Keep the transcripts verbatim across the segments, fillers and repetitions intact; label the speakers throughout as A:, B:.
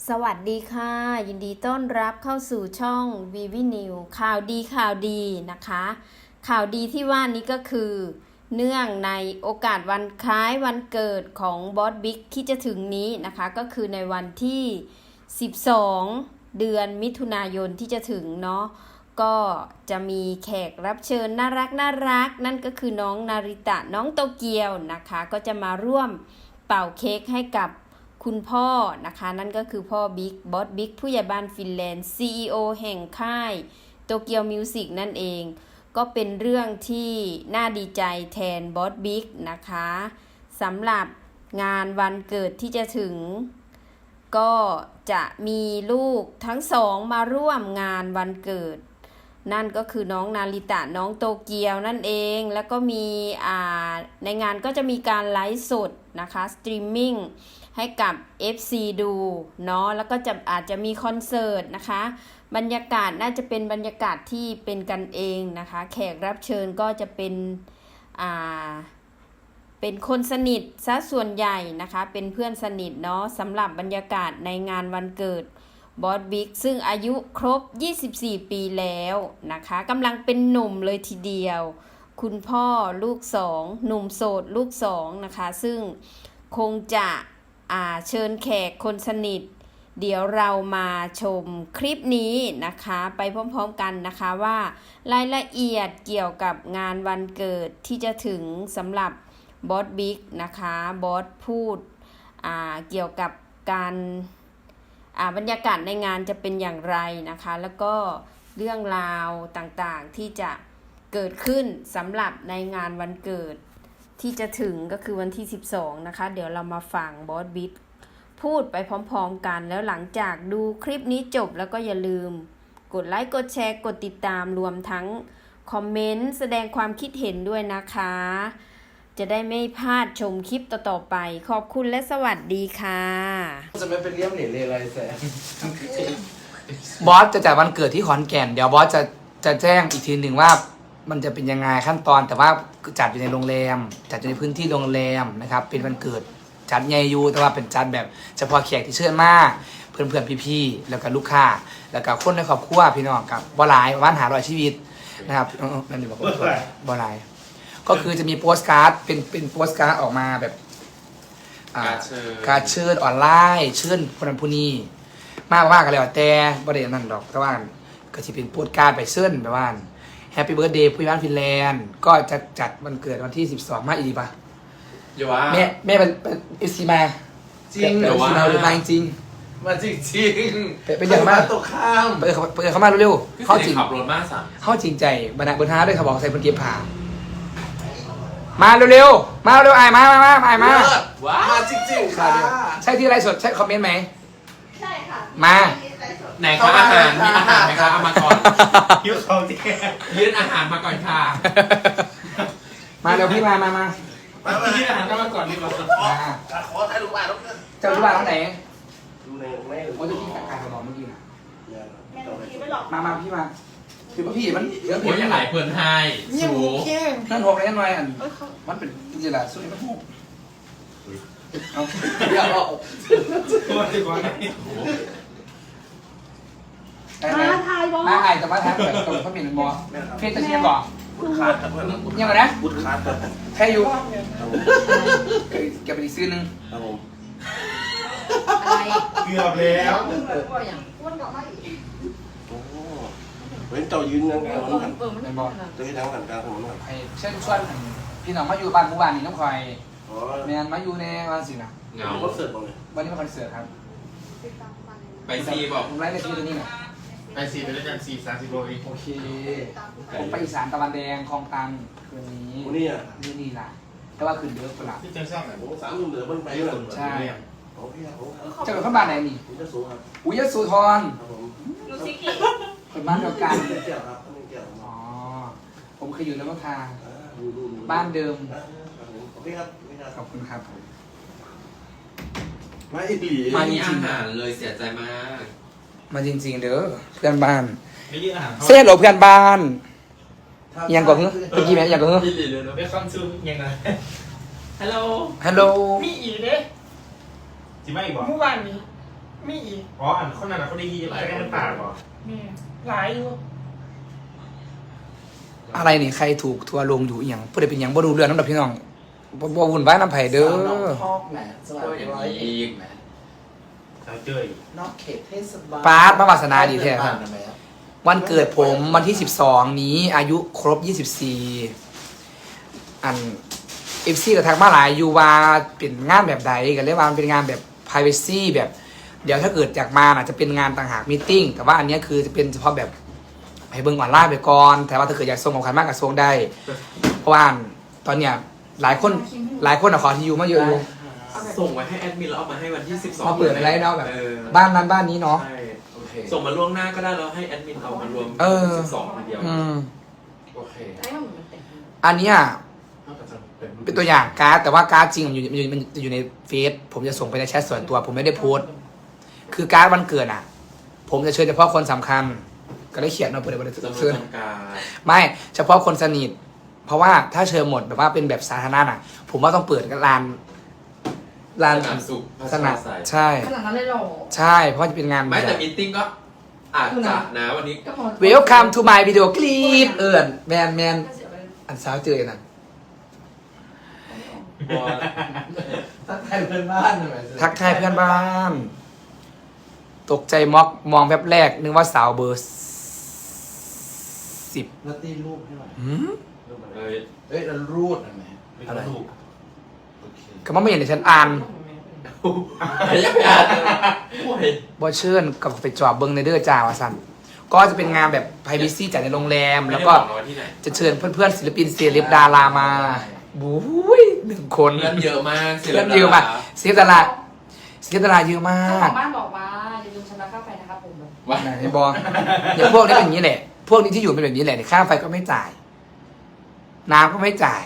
A: สวัสดีค่ะยินดีต้อนรับเข้าสู่ช่อง วี วี News ข่าวดีข่าวดีนะคะข่าวดีที่ว่านี้ก็คือเนื่องในโอกาสวันคล้ายวันเกิดของบอสบิ๊กที่จะถึงนี้นะคะก็คือในวันที่สิบสองเดือนมิถุนายนที่จะถึงเนาะก็จะมีแขกรับเชิญน่ารักน่ารักนั่นก็คือน้องนาริตะน้องโตเกียวนะคะก็จะมาร่วมเป่าเค้กให้กับคุณพ่อนะคะนั่นก็คือพ่อบิ๊กบอสบิ๊กผู้ใหญ่บ้านฟินแลนด์ ซี อี โอ แห่งค่ายโตเกียวมิวสิกนั่นเองก็เป็นเรื่องที่น่าดีใจแทนบอสบิ๊กนะคะสำหรับงานวันเกิดที่จะถึงก็จะมีลูกทั้งสองมาร่วมงานวันเกิดนั่นก็คือน้องนาริตะน้องโตเกียวนั่นเองแล้วก็มีอ่าในงานก็จะมีการไลฟ์สดนะคะสตรีมมิ่งให้กับ เอฟ ซี ดูเนาะแล้วก็จะอาจจะมีคอนเสิร์ตนะคะบรรยากาศน่าจะเป็นบรรยากาศที่เป็นกันเองนะคะแขกรับเชิญก็จะเป็นอ่าเป็นคนสนิทซะส่วนใหญ่นะคะเป็นเพื่อนสนิทเนาะสำหรับบรรยากาศในงานวันเกิดบอสบิ๊กซึ่งอายุครบยี่สิบสี่ปีแล้วนะคะกำลังเป็นหนุ่มเลยทีเดียวคุณพ่อลูกสองหนุ่มโสดลูกสองนะคะซึ่งคงจะอ่าเชิญแขกคนสนิทเดี๋ยวเรามาชมคลิปนี้นะคะไปพร้อมๆกันนะคะว่ารายละเอียดเกี่ยวกับงานวันเกิดที่จะถึงสำหรับบอสบิ๊กนะคะบอสพูดอ่าเกี่ยวกับการอ่าบรรยากาศในงานจะเป็นอย่างไรนะคะแล้วก็เรื่องราวต่างๆที่จะเกิดขึ้นสำหรับในงานวันเกิดที่จะถึงก็คือวันที่สิบสองนะคะเดี๋ยวเรามาฟังบอสบิ๊กพูดไปพร้อมๆกันแล้วหลังจากดูคลิปนี้จบแล้วก็อย่าลืมกดไลค์กดแชร์กดติดตามรวมทั้งคอมเมนต์แสดงความคิดเห็นด้วยนะคะจะได้ไม่พลาดชมคลิปต่อๆไปขอบคุณและสวัสดีค่ะ
B: จะไม่เป็นเลี้ยมเหรียญเลยอะไรแส
C: บอสจะจัดวันเกิดที่ขอนแก่นเดี๋ยวบอสจะจะแจ้งอีกทีหนึ่งว่ามันจะเป็นยังไงขั้นตอนแต่ว่าจัดอยู่ในโรงแรมจัดอยู่ในพื้นที่โรงแรมนะครับเป็นวันเกิดจัดใหญ่อยู่แต่ว่าเป็นจัดแบบเฉพาะแขกที่เชิญมาเพื่อนเพื่อนพี่ๆแล้วก็ลูกค้าแล้วก็คนในครอบครัวพี่น้องกับบอลายประมาณหาร้อยชีวิตนะครับนั่นนี่บอกว่าบอลายก็คือจะมีโปสการ์ดเป็นเป็นโปสการ์ดออกมาแบบการเชิญออนไลน์เชิญคนนั้นผู้นี้มากมากกันแล้วแต่บริเวณนั้นดอกแต่ว่าก็จะเป็นโปสการ์ดไปเชิญแบบว่าแฮปปี้เบิร์ธเดย์ผู้ใหญ่บ้านฟินแลนด์ก็จะจัดวันเกิดวันที่สิบสองมาอีกป่ะ
B: อย่าว่า
C: แม่แม่เป็นเอฟซีมา
B: จริงหรือว่า
C: มาจริง
B: มาจริงจริง
C: เป็นอย่างมาก
B: ตกข้าม
C: เปิดเปิดเข้ามาเร็วๆ
D: เขาจริงขับรถมาสั่ง
C: เข้าจริงใจบรรณาบรรณาด้วยเขาบอกใส่บนเกียร์ผ่ามาเร็วๆมาเร็วๆไอ้มามามาไอ้มา
B: ว้ามาจริงๆค่ะ
C: ใช่ที่ไรสดใช่คอมเมนต์ไหม
E: ใช่ค่ะ
C: มา
D: ไหนคะอาหารมีอาหารไหมคะเอามาก่อน
B: ยืดเขาที่
D: ยื่นอาหารมาก่อนค่ะ
C: มาเร็วพี่มามามา
D: ยื่นอาหารก็มาก่อนดีกว่า
B: ขอถ่ายรูปบ้านแล้ว
C: เจ้ารูปบ้านที่ไหน
B: ดูในไม่
C: โอ้ยพี่การกระบอกเมื่อกี้นะ
E: แม่หนูคิดไม่หรอก
C: มามาพี่มาคือพี่มัน
D: เดี๋ยวพี่จะไหลเพลินไฮสูง
C: นั่นหกเลยนั่นไงอันมันเป็นจริงๆแหละสุดที่มันหกเอาเดี๋ยวเอา
B: ตัวดีกว่า
E: มาถ่ายบอ
C: มาไอ้แต่ว่าถ่ายเปิดตรงเขามีหนึ่งบอเฟซตะเชียนบอก
B: บุญขาด
C: ยังไงนะ
B: บุญขาด
C: แค่อยู่เก็บไปอีกซื้อนึง
B: ครับผม
E: อะไร
B: เกือบแล้ว
E: อ้วนกลับมาอีก
B: โอ้เว้นเจ้ายืนยังไงมันกัน
C: ในบอ
B: จะให้ทั้งกันกลางถนนกัน
C: เช่นชวนพี่น้องมาอยู่บ้านผู้บ้านนี่ต้องคอยแมนมาอยู่ในวันสินะ
D: เงา
B: คอนเสิร์ตบ้างเลย
C: วันนี้เป็นคอนเสิร์ตครับ
D: ไปซีบอก
C: ผมไล่ในที่ตัวนี้ไง
D: ไปซีไปด้วยกันซีสามสิบโลเอง
C: โอเคผมไปอีสานตะวันแดงคลองตันคืนนี้
B: นี่อ่ะ
C: นี่นี่ล่ะแต่ว่าคืนเยอะกว่า
D: ที่เจ้าช่างไหน
B: ผมสามยุ่งเหลือมันไปเลย
C: ใช่
B: โอเคผม
C: จะเป็นข้าวบ้านไหนนี่
B: ผมจะสูครับ
C: อุ้ยสุธร
B: ครับผม
E: ดูซิกิ
C: คนบ้านเดียวกัน
B: เกี่ยวครับเกี่ยว
C: อ๋อผมเคยอยู่ในวัฒนา
B: ดูดู
C: บ้านเดิม
B: โอเคครับ
C: ขอบคุณครับ
B: มาอีกหลี
D: มามีอาหารเลยเสียใจมาก
C: มาจริงๆเด้อเพื่อนบ้าน
D: ไม่ยื่นอาหาร
C: เสียหรอเพื่อนบ้านยังก่อนเมื่อกี้แม่ยังก่อน
D: ไม่เลยเลยไม่คอนซูมยังไงฮัลโหล
C: ฮัลโหล
E: มีอีกเด้
D: จิไม่บอก
E: เมื่อวานนี้มีอีก
D: อ๋ออันคนนั้นเขาได้ยีหลายคนปากเหรอ
E: มีหลายอยู่
C: อะไรนี่ใครถูกทัวร์ลงอยู่อหย่างผู้ใดเป็นหยังบ่รู้เรื่องน้ำดับพี่น้องบ่บ่วุ่นวายน้ำไผเด้อ
F: สาวน้องทอกแหมสวัสดีร้อยเอกแหม
D: เขาเจออีก
F: นอกเขตเทศบาล
C: ปาดมาวาสนาดีแท้ครับ
F: านนะแม่
C: วันเกิดผมวันที่สิบสองนี้อายุครบยี่สิบสี่อันเอฟซีก็ทักมาหลายอยู่ว่าเป็นงานแบบใดกันเรียกว่ามันเป็นงานแบบ privacy แบบ เดี๋ยวถ้าเกิดจากมาอาจจะเป็นงานต่างหากมีติ้งแต่ว่าอันเนี้ยคือจะเป็นเฉพาะแบบให้เบิ่งออนไลน์ไปก่อนแต่ว่าถ้าเกิดอยากส่งของขวัญมากกับส่งได้ เพราะว่าตอนเนี้ยหลายคนหลายคนอะขอที่อยู่มาเยอะอยู่
G: ส่งไว้ให้แอดมินแล้วเอามาให้วันที่สิบสอง
C: มาเปิดอะไรเนาะแบบ
G: ออ
C: บ้านนั้นบ้านนี้เนาะ
G: ใช่
F: โอเค
G: ส่งมาล่วงหน้าก็ได้แล้วให้แอดมินเอามารวม
C: เออ
G: สิบสองทีเดียว
C: อืม
F: โอเค
E: ไอ้มันมันเต็ม
C: อันเนี้ย
F: นอกจากจะเป็น
C: เป็นตัวอย่างการ์ดแต่ว่าการ์ดจริงมันอยู่มันอยู่มันจะอยู่ในเฟซผมจะส่งไปในแชทส่วนตัว ผมไม่ได้โพสต์คือการ์ดวันเกิดอ่ะ ผมจะเชิญเฉพาะคนสำคัญ ก็ได้เขียนมาเปิดบริษัท
G: จำนวน
C: เชิญ
G: จำกัด
C: ไม่เฉพาะคนสนิท เพราะว่าถ้าเชิญหมดแบบว่าเป็นแบบสาธารณะอ่ะ ผมว่าต้องเปิดกันลานลาน
G: สนามสุข
C: สนาม
G: ใส่
C: ใช่
E: ขนาดนั้นเลยเหรอ
C: ใช่เพราะจะเป็นงาน
G: ไม่แต่มีตติ้งก็อาจจะนะวันนี้
E: ก็พอ
C: Welcome to my video clip เอิญแมนแมน
E: ก็เสียไป
C: อันสาวเจอนะ
F: ทักทายเพื่อนบ้านหน่อย
C: ทักทายเพื่อนบ้าน ตกใจม็อกมองแวบแรก นึกว่าสาวเบอร์สิบ
F: แล้วตีรูปให้หน่อย
C: หืม
F: รูปอะไร
G: เอ้ย
F: เอ้ยแล้วรูดนะแม่
C: อะไร
G: ถูก
F: โอเค
C: ก็มันไม่เห็นในฉันอ่าน
G: ยังอ่านโอ้ย
C: บอเชิญกับไปจอบเบิงในเดอร์จ้าวาสันก็จะเป็นงานแบบ privacy จัดในโรงแรม
G: ไม่
C: แล้ว
G: ได้
C: ก็
G: บอกนะว่าที่ไหน
C: จะเชิญเพื่อนๆศิลปินเซเลบดารามาบุ้ยหนึ่งคน
G: เพื่อนเยอะมาก
C: เพื่อนเยอะมากเซเลบดาราเซเลบดาราเยอะมา
E: เจ้าก ของบ้านบอกว่าอย่าลืมชำระค่าไฟนะครับผม
G: ว่า
C: ไหนบออย่างพวกนี้เป็นอย่างนี้แหละ พวกนี้ที่อยู่เป็นแบบนี้แหละค่าไฟก็ไม่จ่าย น้ำก็ไม่จ่าย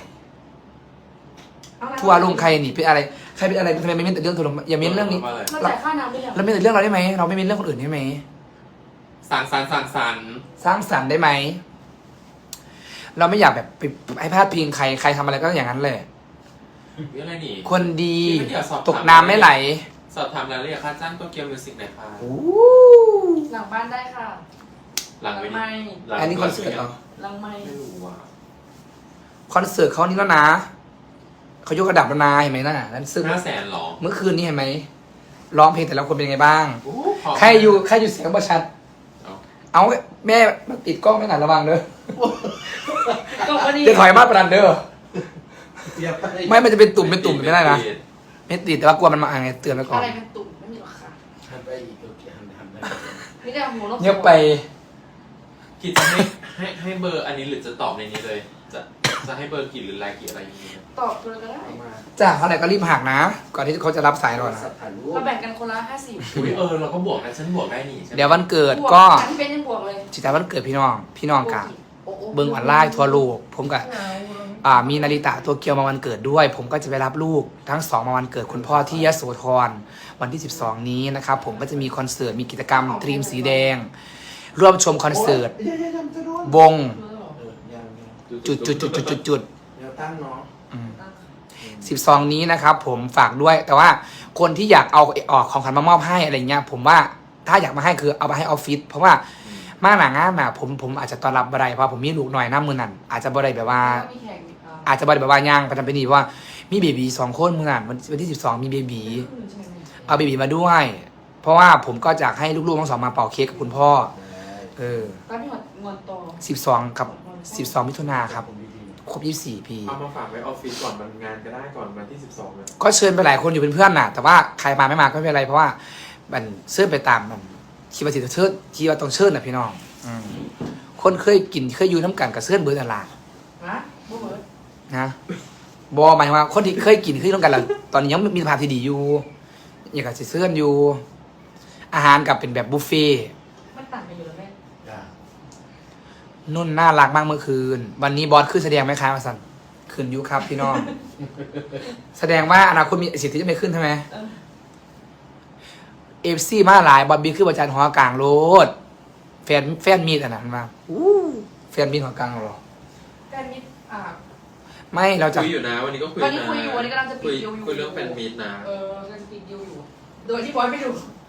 C: ทัวร์ลงใครหนีเป็นอะไรใครเป็นอะไรทำไมไม่เม้นแต่เรื่องทัวร์ลงอย่าเม้นเรื่องนี้
G: ว่าะไ
E: เราจ่ายค่าน้ำด้วยยัง
C: เราไม่แต่เรื่องเราได้ไหมเราไม่เม้นเรื่องคนอื่นได้ไหม
G: สั่งสรรค์สั่งสรรค์
C: สร้างสรรค์ได้ไหมเราไม่อยากแบบไปให้พลาดพิงใครใครทำอะไรก็อย่างนั้นเลย
G: เรื่องอะไรนี่
C: คนดี
G: พี่ไม่อยากสอบถาม
C: ตกน้ำไม่ไหล
G: สอบถามรายละเอียดค่าจ้างโตเกียวมิวสิกหน่อยค่ะ
C: โอ้
E: หลังบ้านได้ค่ะ
G: หลัง
E: หลั
G: ไป
E: งไม่
G: หลัง
C: อันนี้คอนเสิร์ตเหรอ
E: หลังไม่
G: ไม่รู้ว่า
C: คอนเสิร์ตเขานี่แล้วนะเขายกระดับแล้วนะเห็นไหมน่ะนั่นซึ่ง
G: ห้าแสนหรอ
C: เมื่อคืนนี้เห็นไหมร้องเพลงแต่ละคนเป็นยังไงบ้าง
G: โอ้พอ
C: ใครอยู่ใครอยู่เสียงประชัด
G: เอา
C: เอาแม่มาติดกล้องไม่หนาระวังเด้อ
E: ก็พอดี
C: จะถอยมาประดันเด้อ
F: อย่าไป
C: ไม่มันจะเป็นตุ่มเป็นตุ่มไม่ได้นะไม่ติดแต่ว่ากลัวมันมาอะไรเตือนไว้ก่อน
E: อะไรเป็นตุ่มไม่มีหรอกค่ะ
F: หันไปอีกโอเคหันหันไป
E: มีแต่หัวนก
C: เงียบไป
G: คิดจะให้ให้ให้เบอร์อันนี้หรือจะตอบในนี้เลย จะจะให้เบอร์กี่หรือรายกี่อะไรอย่างเงี้ย
E: ตอบตัวก็ได้
F: เอามา
C: จ้าเท่าไหร่ก็รีบหักนะ ก่อนที่เขาจะรับสายเรานะ
F: สัตว์ถ่ายรูป
E: เราแบ่งกันคนละห้าสิบ
G: อุ้ยเออเราก็บวกกันฉันบวกได้นี่ใช่ไหม
C: เดี๋ยววันเกิดก็
E: ที่เป็นยังบวกเลย
C: จิตาวันเกิดพี่น้อง พี่น้องกะ
E: โอ้โห
C: เบิ้งออนไลน์ทั่วโลกผมกับ
E: หนาว
C: อ่ามีนาริตะตัวเกียวมาวันเกิดด้วย ผมก็จะไปรับลูกทั้งสองมาวันเกิดคุณพ่อที่ยโสธรวันที่สิบสองนี้นะครับผมก็จะมีคอนเสิร์ตมีกิจกรรมตรีมสีแดง ร่วมชมคอนเสิร์ต
F: โยอย่าอย่าจะโดน
C: วง
F: เออยังยัง
C: จุดจุดจุดจุดจุดจุด
F: เดี๋ยวตั้งเนาะ
C: สิบสองนี้นะครับผมฝากด้วย แต่ว่าคนที่อยากเอาออกของขวัญมามอบให้อะไรเงี้ยผมว่าถ้าอยากมาให้คือเอาไปให้ออฟฟิศเพราะว่ามาหนางานน่ะผมผมอาจจะต้อนรับบ่ได้เพราะผมมีลูกหน่อยหน้ามือนั่นอาจจะบ่ได้แบบว่า
E: มีแข่งอีกอ่ะ
C: อาจจะบ่ได้แบบว่าย่างไปทำไปนี่เพราะว่ามีเบบีสองคนมือนั่นวันวันที่สิบสองมีเบบีเอาเบบีมาด้วย เพราะว่าผมก็อยากให้ลูกๆทั้งสองมาเป่าเค้กกับคุณพ่อเออ
E: ก็พี่หดงอนโต
C: สิบสองกับสิบสองมิถุนาครับครบยี่สิบสี่ปี
G: เอามาฝากไว้ออฟฟิศก่อนมันงานก็ได้ก่อนวันที่สิบสองเลย
C: ก็เชิญไปหลายคนอยู่เป็นเพื่อนน่ะ แต่ว่าใครมาไม่มาก็ไม่เป็นไรเพราะว่ามันเชิญไปตามมันคิดว่าสิจะเชิญคิดว่าต้องเชิญน่ะพี่น้องอืมคนเคยกินเคยอยู่น้ำกันกับเชิญเบิร์ดอะไร
E: ฮะบูเบิร์ด
C: นะบอหมายถึงว่าคนที่เคยกินเคยอยู่น้ำกันแล้วตอนนี้ยังมีสภาพที่ดีอยู่อยากจะเชิญอยู่ อาหารกับเป็นแบบบุฟเฟ่ต์
E: มันต่างกันอยู่แล้วแม่
F: อย่า
C: นุ่นน่ารักมากเมื่อคืน วันนี้บอสขึ้นแสดงไหมคะมาสันขึ้นอยุครับพี่น้อง แสดงว่าอนาคตมีสิทธิ์ที่จะไม่ขึ้นใช่ไหม
E: เออ
C: เอฟซีมาหลายบอบบี้คือประจันหอกลางโลดแฟนแฟนมีดอ่ะนะมันมาอู้แฟนมีดหอกลางเหรอ
E: แฟนมิตรอ่า
C: ไม่เราจะ
G: คุยอยู่นะวันนี้ก็คุย
E: ตอนนี้
G: นะ
E: คุยอยู่วันนี้กำลังจะปิ
G: คุ
E: ด
G: ย
E: ดีลอยู่
G: คุยเรื่องแฟนมีตนะ
E: เออกำลังจะปิดดีลอยู่ โดยที่บอยไม่ดู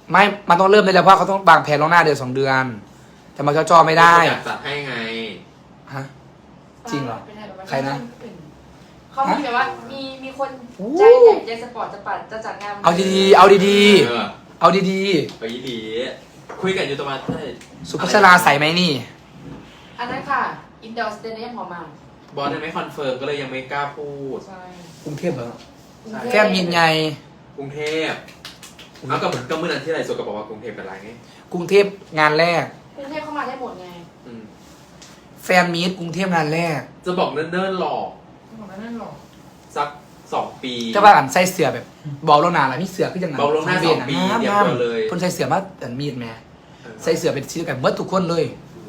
C: ไม่ มันต้องเริ่มได้แล้วเพราะเขาต้องวางแผนล่วงหน้าเดือนสองเดือนจะมาจ่อๆไม่ได้
G: อยากจัดให้ไง
C: ฮะ จริงเหรอ
E: ป็ไงแบบว่า
C: ใครนะ
E: เขามีแบบว่ามีมีคน
C: โอ้
E: ใจใหญ่ใจสปอร์ตจะปัดจะจัดงานวัน
C: เอาดีๆ เอาดี
G: เออ
C: ๆ เอาดี
G: ไปดีคุยกันอยู่ตรงนั้นได้
C: ๆ สุภัชราใส่ไหมนี่
E: อันนั้นค่ะอินดอร์สเตเดียมของมา
G: บอสยังไม่คอนเฟิร์มก็เลยยังไม่กล้าพูด
E: ใช่
C: กรุงเทพเหรอ
E: กรุงเทพ
C: แก้มยินไง
G: กรุงเทพเอากับก็เมื่อนั้นที่ไรส่วนก็บอกว่ากรุงเทพเป็นไรไง
C: กรุงเทพงานแรก
E: กรุงเทพเข้ามาได้หมดไง
G: อืม
C: แฟนมีตกรุงเทพงานแรก
G: จะบอกเนิ่นๆหลอก
E: หมดแล้วนั่นหรอ
G: สักสองปี
C: จะว่ากันใส่เสือแบบบอกแล้วนานแล้วมีเสือขึ้นยังไง
G: บอกล่วงหน้าสองปีเดียวกันเลย
C: คนใส่เสือมาแต่มีดแม่ใส่เสือเป็นชิ้นกันเมื่อทุกคนเลย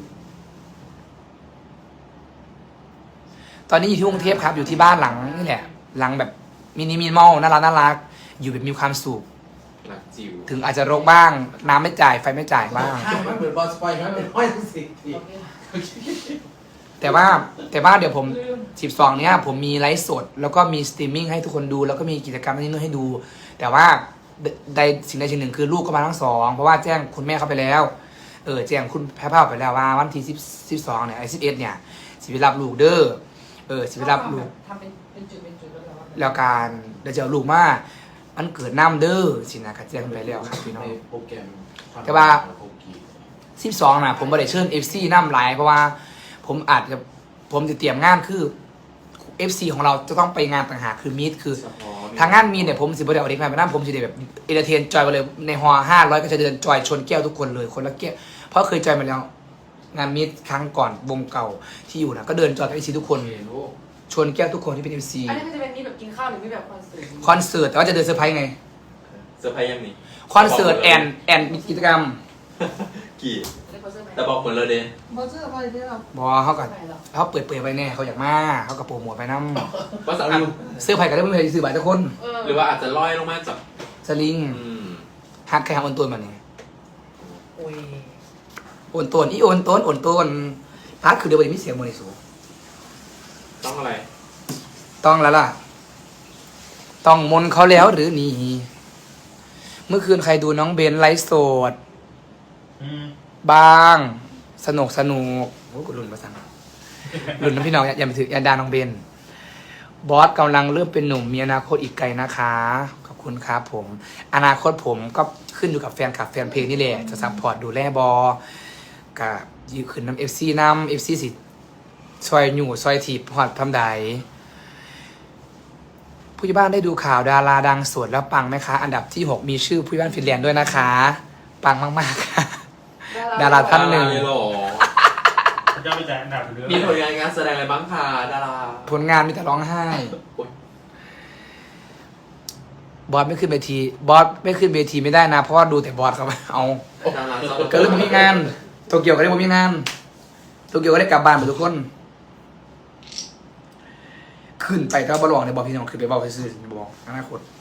C: ตอนนี้อยู่ที่กรุงเทพครับ อยู่ที่บ้านหลังนี่แหละ หลังแบบมินิมินิมอลน่ารักน่ารัก อยู่แบบมีความสุข
G: หลักจิ๋ว
C: ถึงอาจจะรกบ้าง น้ำไม่จ่ายไฟไม่จ่ายบ้าง
F: ใช่มันเหมือนบอลสปอยล์มันเป็นห้อยสิที
E: โอเค
C: แต่ว่าแต่ว่าเดี๋ยวผม
E: ลืม
C: สิบสองเนี้ยผมมีไลฟ์สด แล้วก็มีสตรีมมิ่งให้ทุกคนดู แล้วก็มีกิจกรรมที่นู่นให้ดู แต่ว่าใดสิ่งใดสิ่งหนึ่งคือลูกก็มาทั้งสองเพราะว่าแจ้งคุณแม่เข้าไปแล้ว เออแจ้งคุณแพ้ภาพไปแล้วว่าวันที่สิบสิบสองเนี่ยไอ้สิบเอ็ดเนี่ยสิไปรับลูกเด้อเออสิไปรับลูก
E: ทำเป็นเป็นจุดเป็นจุดแล้วเหรอวะ
C: แล้วการเดี๋ยวจะเอาลูกมามันเกิดน้ำเด้อสินะครับแจ้งไปแล้วครับพี่น้อง
F: ในโปรแกรม
C: แต่ว่า
F: โปรกี
C: สิบสองนะผมไม่ได้เชิญ เอฟ ซี น้ำหลายเพราะว่าผมอาจจะผมจะเตรียมงานคือ เอฟ ซี ของเราจะต้องไปงานต่างหากคือมีดคือ
G: เฉพาะ
C: ทางงานมีเนี่ยผมสิบเดียวเด็กมาไปนั่ผมจะได้แบบเอเดเทนจอยไปเลยในฮอห้าร้อยก็จะเดินจอยชนแก้วทุกคนเลยคนละแก้วเพราะเคยจอยมาแล้ว งานมีดครั้งก่อนวงเก่าที่อยู่นะก็เดินจอยกับเอฟซีทุกคน
F: เห็นโอ้
C: ชนแก้วทุกคนที่เป็นเอฟซี
E: อันนี้มันจะเป็นนี่แบบกินข้าวหรือไม่แบบคอนเสิร์ต
C: คอนเสิร์ตแต่ว่าจะเดินเซอร์ไพรส์ไง
G: เซอร์ไพรส์ยังนี่
C: คอนเสิร์ตแอนแอนมีกิจกรรม
G: กี่
E: เรียกคอนเสิร์ตไหม
G: แต่บอกหมดเลยเด้
E: คอนเสิร์ตอะไรที่เรา
C: บอเขากับ
E: ไหนเหรอ
C: เขาเปิดเผยไปแน่เขาอยากมาเขากับโปรโมทไปน้
G: ว่าสัก
C: ำเสื้อไผ่ก็ได้ไม่เคยซื้อบัตรทุกคน
E: เออ
G: หรือว่าอาจจะลอยลงมาจาก
C: สลิง
G: อืม
C: ฮักใครฮักโอนตัวมาเนี่ย
E: โอ้ย
C: โอนตัวอีโอนตัวโอนตัวพักคือเดี๋ยววันนี้มีเสียงโมนิสู
G: ต้องอะไร
C: ต้องแล้วล่ะ ต้องมนต์เขาแล้วหรือหนีเมื่อคืนใครดูน้องเบนไลฟ์สด
D: อืม
C: บ้าง สนุกสนุกโอ้กูรุ่นมาสั่งรุ่นน้ำพี่น้องอย่าอย่าไปถืออย่าดาน้องเบนบอสกำลังเริ่มเป็นหนุ่มมีอนาคตอีกไกลนะคะขอบคุณครับผม อนาคตผมก็ขึ้นอยู่กับแฟนคลับแฟนเพลงนี่แหละจะซัพพอร์ตดูแลบอกัยืขึ้นน้ำเอฟซีน้ำเอฟซีสิซอยหนูซอยถีบหอดทำใดผู้ใหญ่บ้านได้ดูข่าวดาราดังสวดแล้วปังไหมคะ อันดับที่หกมีชื่อผู้ใหญ่บ้านฟินแลนด์ด้วยนะคะ ปังมากๆค่ะ ดาราท่านหนึ่ง
G: ดรเลยเหรอ
D: พระเจ้าไปจ่ายอันดับเรื่อง
G: มีผลงานงานแสดงอะไรบ้างคะดารา
C: ผลงานมีแต่ร้องไห้
G: โอ๊ย
C: บอสไม่ขึ้นเวที บอสไม่ขึ้นเวทีไม่ได้นะ เพราะว่าดูแต่บอสเขาเอา
G: ดาราซ้อม
C: ก็เลยบ่มีงานโตเกียวก็ได้บ่มีงานโตเกียวก็ได้กลับบ้านหมดทุกคน ขึ้นไปก็บอลลองในบอลพี่น้องขึ้นไปบอลไปซื้อบอกอนาคต